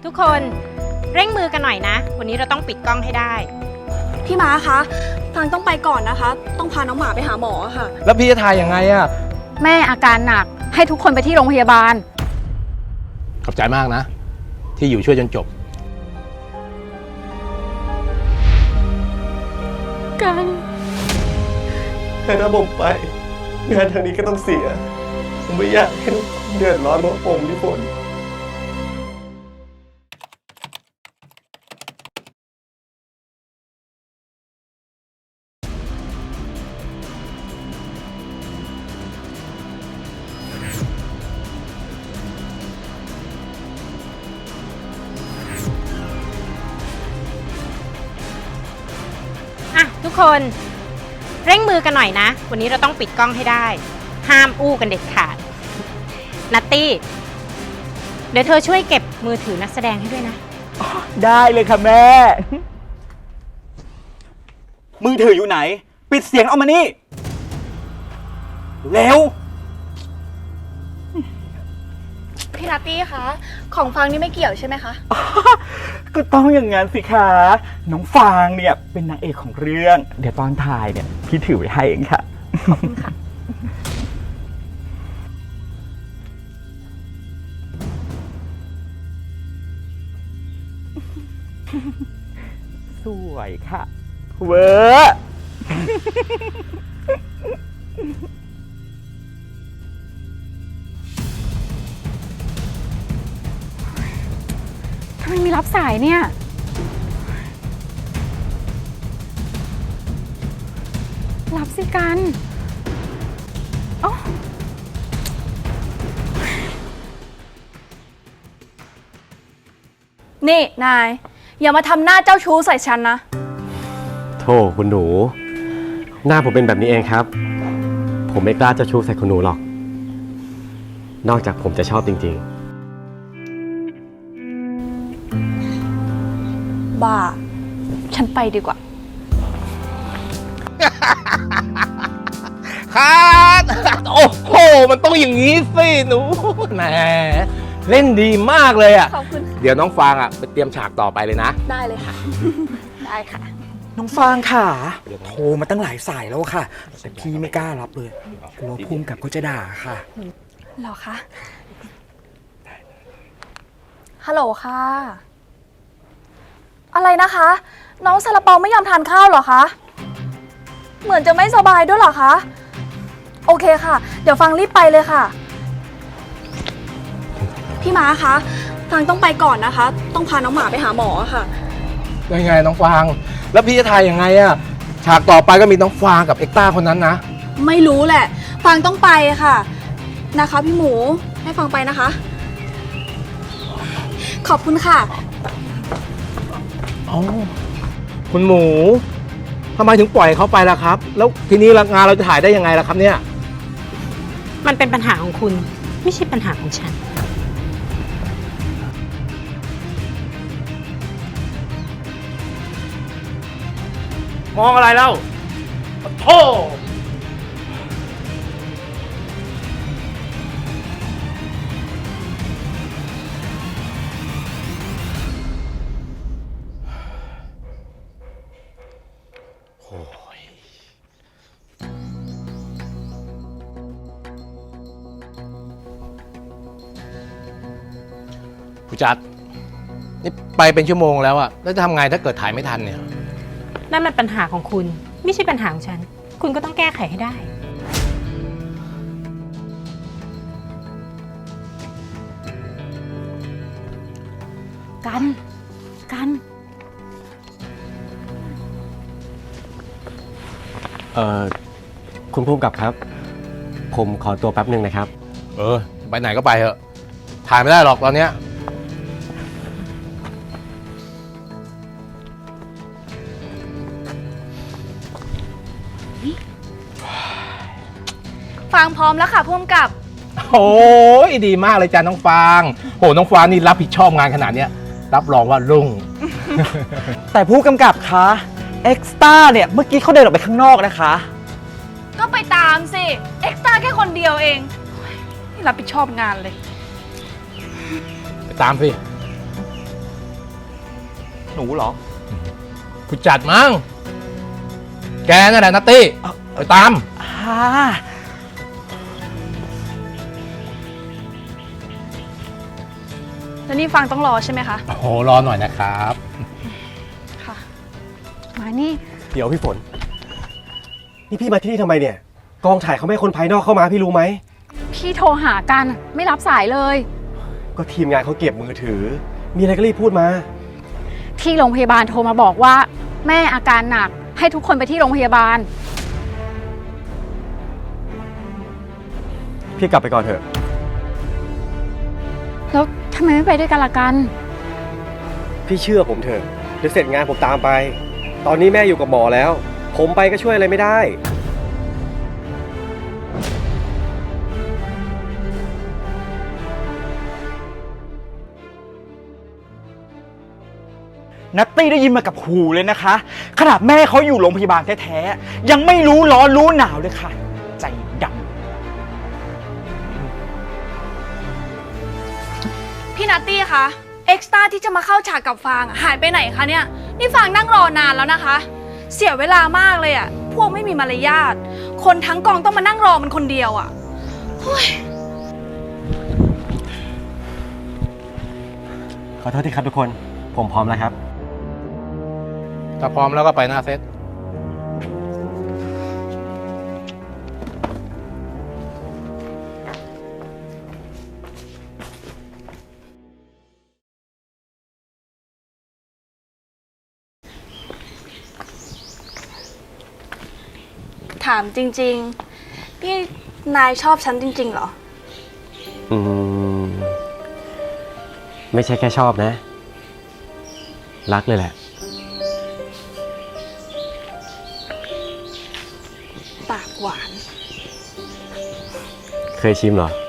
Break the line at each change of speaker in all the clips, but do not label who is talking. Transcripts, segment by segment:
ทุกคนเร่งมือกันหน่อยนะวันนี้เราต้องปิดกล้องให้ได้
พี่ม้าคะฟางต้องไปก่อนนะคะต้องพาน้องหมาไปหาหมอค่ะ
แล้วพี่จะถ่ายยังไงอะ
แม่อาการหนักให้ทุกคนไปที่โรงพยาบาล
ขอบใจมากนะที่อยู่ช่วยจนจบ
กัน
แต่ถ้าผมไปงานทางนี้ก็ต้องเสียผมไม่อยากให้ทุกคนเดือดร้อนเพราะผมพี่ฝน
ทุกคนเร่งมือกันหน่อยนะวันนี้เราต้องปิดกล้องให้ได้ห้ามอู้กันเด็ดขาดนัตตี้เดี๋ยวเธอช่วยเก็บมือถือนักแสดงให้ด้วยนะ
ได้เลยค่ะแม่มือถืออยู่ไหนปิดเสียงเอามานี่เร็ว
พี่นัตตี้คะของฟางนี่ไม่เกี่ยวใช่ไหมคะ
ก็ต้องอย่างงั้นสิคะน้องฟางเนี่ยเป็นนางเอกของเรื่องเดี๋ยวตอนถ่ายเนี่ยพี่ถือไว้ให้เองค่ะขอบคุณค่ะสวยค่ะเวอร์
ทำไมไม่รับสายเนี่ยรับสิกันอ๋อ
นี่นายอย่ามาทำหน้าเจ้าชู้ใส่ฉันนะ
โธ่คุณหนูหน้าผมเป็นแบบนี้เองครับผมไม่กล้าจะชู้ใส่คุณหนูหรอกนอกจากผมจะชอบจริง
ๆบ้าฉันไปดีกว่า
ครับโอ้โหมันต้องอย่างนี้สิหนูแหมเล่นดีมากเลยอ่ะ
ขอบคุณ
เดี๋ยวน้องฟางอ่ะไปเตรียมฉากต่อไปเลยนะ
ได้เลยค่ะได้ค่ะ
น้องฟางค่ะโทรมาตั้งหลายสายแล้วค่ะแต่พี่ไม่กล้ารับเลยกลัวภูมิกับเขาจะด่าค่ะ
หรอคะฮัลโหลค่ะอะไรนะคะน้องซาลาเปาไม่ยอมทานข้าวเหรอคะเหมือนจะไม่สบายด้วยเหรอคะโอเคค่ะเดี๋ยวฟังรีบไปเลยค่ะพี่ม้าคะฟังต้องไปก่อนนะคะต้องพาน้องหมาไปหาหมอค่ะ
ยังไงน้องฟางแล้วพี่จะถ่ายยังไงอะฉากต่อไปก็มีน้องฟางกับเอ็กต้าคนนั้นนะ
ไม่รู้แหละฟังต้องไปค่ะนะคะพี่หมูให้ฟังไปนะคะขอบคุณค่ะ
อ๋อคุณหมูทำไมถึงปล่อยเขาไปล่ะครับแล้วทีนี้งานเราจะถ่ายได้ยังไงล่ะครับเนี่ย
มันเป็นปัญหาของคุณไม่ใช่ปัญหาของฉัน
มองอะไรเล่าโธ่ผู้จัดนี่ไปเป็นชั่วโมงแล้วอะแล้วจะทำไงถ้าเกิดถ่ายไม่ทันเนี่ย
นั่นมันปัญหาของคุณไม่ใช่ปัญหาของฉันคุณก็ต้องแก้ไขให้ได้
กัน
คุณภูมิกับครับผมขอตัวแป๊บนึงนะครับ
ไปไหนก็ไปเถอะถ่ายไม่ได้หรอกตอนเนี้ย
ฟังพร้อมแล้วค่ะพ่วงกับ
โอ้ยดีมากเลยจ้าน้องฟางโหน้องฟางนี่รับผิดชอบงานขนาดเนี้ยรับรองว่ารุ่ง
แต่ผู้กำกับคะเอ็กซ์ต้าเนี่ยเมื่อกี้เขาเดินออกไปข้างนอกนะคะ
ก็ไปตามสิเอ็กซ์ต้าแค่คนเดียวเองนี่รับผิดชอบงานเลย
ไปตามสิ
หนูเหรอ
ผู้จัดมั้งแกนั่นแหละนัตตี้ไปตาม
แล้วนี่ฟังต้องรอใช่ไหมคะ
โอ้โหรอหน่อยนะครับ
ค่ะ
มานี่
เดี๋ยวพี่ฝน นี่พี่มาที่นี่ทำไมเนี่ย กองถ่ายเขาไม่ให้คนภายนอกเข้ามาพี่รู้ไหม
พี่โทรหากันไม่รับสายเลย
ก็ทีมงานเขาเก็บมือถือ มีอะไรก็รีบพูดมา
ที่โรงพยาบาลโทรมาบอกว่า แม่อาการหนักให้ทุกคนไปที่โรงพยาบาล
พี่กลับไปก่อนเถอะ
แล้วทำไมไม่ไปด้วยกันล่ะกัน
พี่เชื่อผมเถอะเดี๋ยวเสร็จงานผมตามไป ตอนนี้แม่อยู่กับหมอแล้ว ผมไปก็ช่วยอะไรไม่ได้
นัตตี้ได้ยินมากับหูเลยนะคะ ขนาดแม่เขาอยู่โรงพยาบาลแท้ๆ ยังไม่รู้ร้อนรู้หนาวเลยค่ะ ใจดำ
พี่นัตตี้คะเอ็กซ์ตร้าที่จะมาเข้าฉากกับฟางหายไปไหนคะเนี่ย นี่ฟางนั่งรอนานแล้วนะคะ เสียเวลามากเลยอะพวกไม่มีมารยาทคนทั้งกองต้องมานั่งรอมันคนเดียวอะเฮ้ย
ขอโทษทีครับทุกคน ผมพร้อมแล้วครับ
ถ้าพร้อมแล้วก็ไปหน้าเซต
ถามจริงๆนี่นายชอบฉันจริงๆเหรอ
ไม่ใช่แค่ชอบนะ รักเลยแหละ
ปากหวาน
เคยชิมเหรอ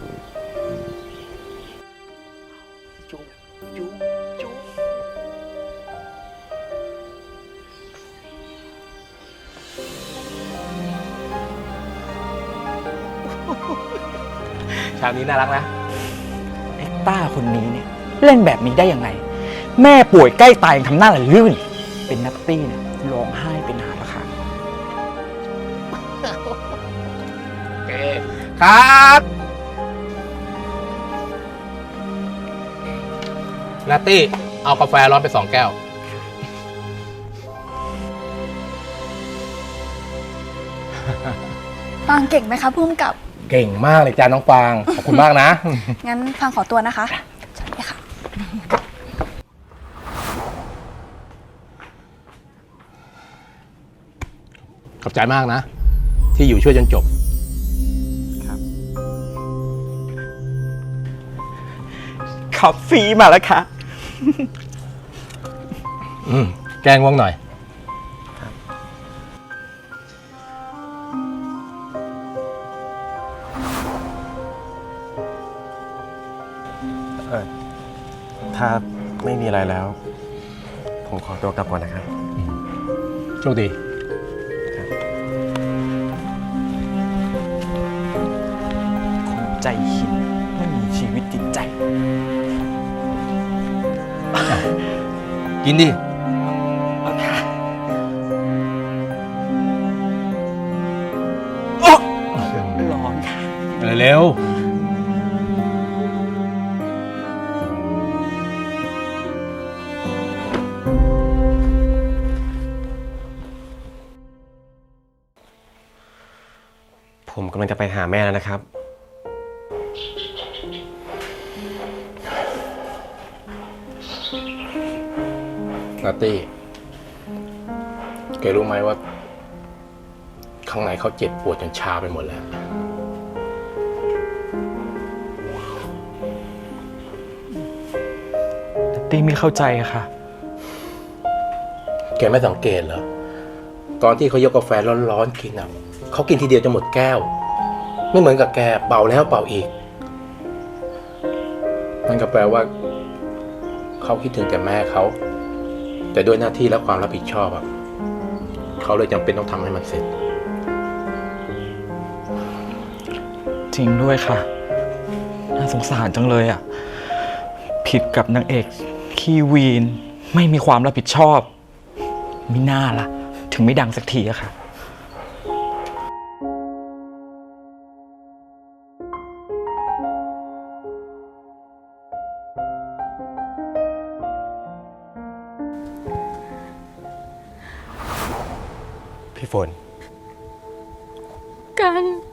ฉากนี้น่ารักนะ
เอ็กต้าคนนี้เนี่ยเล่นแบบนี้ได้ยังไง แม่ป่วยใกล้ตายยังทำหน้าละลื่น เป็นนัตตี้เนี่ยร้องไห้เป็นหาละค่ะ
โอเค ครับนัตตี้เอากาแฟร้อนไป2 แก้ว
ฟางเก่งไหมคะพุ่มกับ
เก่งมากเลยจ้าน้องฟาง ขอบคุณมากนะ
งั้นฟางขอตัวนะคะสวัสดีค่ะ
ขอบใจมากนะ ที่อยู่ช่วยจนจบ
ขับฟรีมาแล้วค่ะ
แกงว่างหน่อย
ถ้าไม่มีอะไรแล้ว ผมขอตัวกลับก่อนนะครับ
โชคดี
คนใจหินไม่มีชีวิตจิตใจ
กินดิ
ร้อนค่ะ
เร็ว
ผมกำลังจะไปหาแม่แล้วนะครับ
นัตตี้แกรู้ไหมว่า ข้างในเขาเจ็บปวดจนชาไปหมดแล้ว
นัตตี้ไม่เข้าใจอะค่ะ
แกไม่สังเกตเหรอ ตอนที่เขายกกาแฟร้อนๆกินอ่ะเขากินทีเดียวจะหมดแก้ว ไม่เหมือนกับแกเป่าแล้วเป่าอีกนั่นก็แปลว่า เขาคิดถึงแต่แม่เขาแต่ด้วยหน้าที่และความรับผิดชอบอ่ะเขาเลยจำเป็นต้องทำให้มันเสร็จ
จริงด้วยค่ะ น่าสงสารจังเลยอ่ะ ผิดกับนางเอกขี้วีนไม่มีความรับผิดชอบมิน่าล่ะ ถึงไม่ดังสักทีอะค่ะ
พี่ฝน
กัน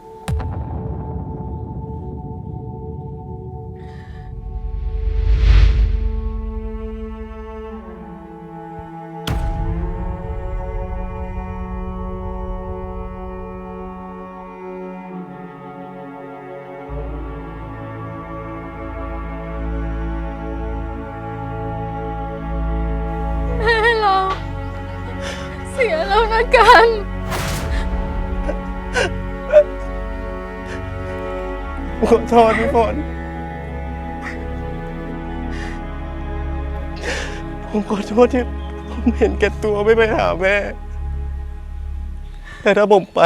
แม่เราเสียแล้วนะกัน
ขอโทษพี่ฝน ผมขอโทษที่ผมเห็นแก่ตัวไม่ไปหาแม่ แต่ถ้าผมไป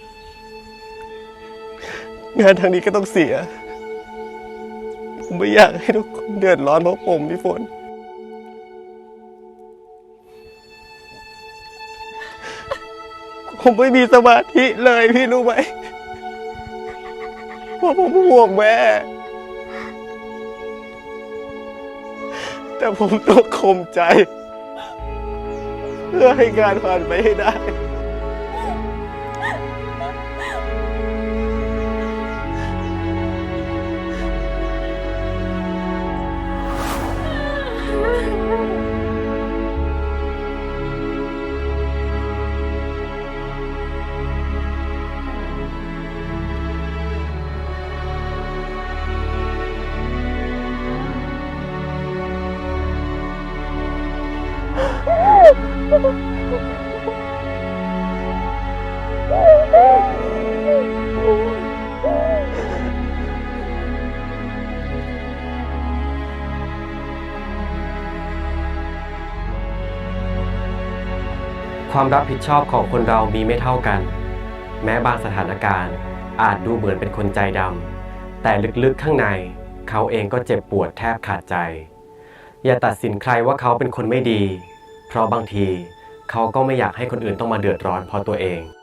งานทางนี้ก็ต้องเสีย ผมไม่อยากให้ทุกคนเดือดร้อนเพราะผมพี่ฝน ผมไม่มีสมาธิเลยพี่รู้ไหม เพราะผมห่วงแม่ แต่ผมต้องข่มใจ เพื่อให้งานผ่านไปให้ได้
ความรับผิดชอบของคนเรามีไม่เท่ากัน แม้บางสถานการณ์อาจดูเหมือนเป็นคนใจดำแต่ลึกๆข้างในเขาเองก็เจ็บปวดแทบขาดใจ อย่าตัดสินใครว่าเขาเป็นคนไม่ดี เพราะบางทีเขาก็ไม่อยากให้คนอื่นต้องมาเดือดร้อนเพราะตัวเอง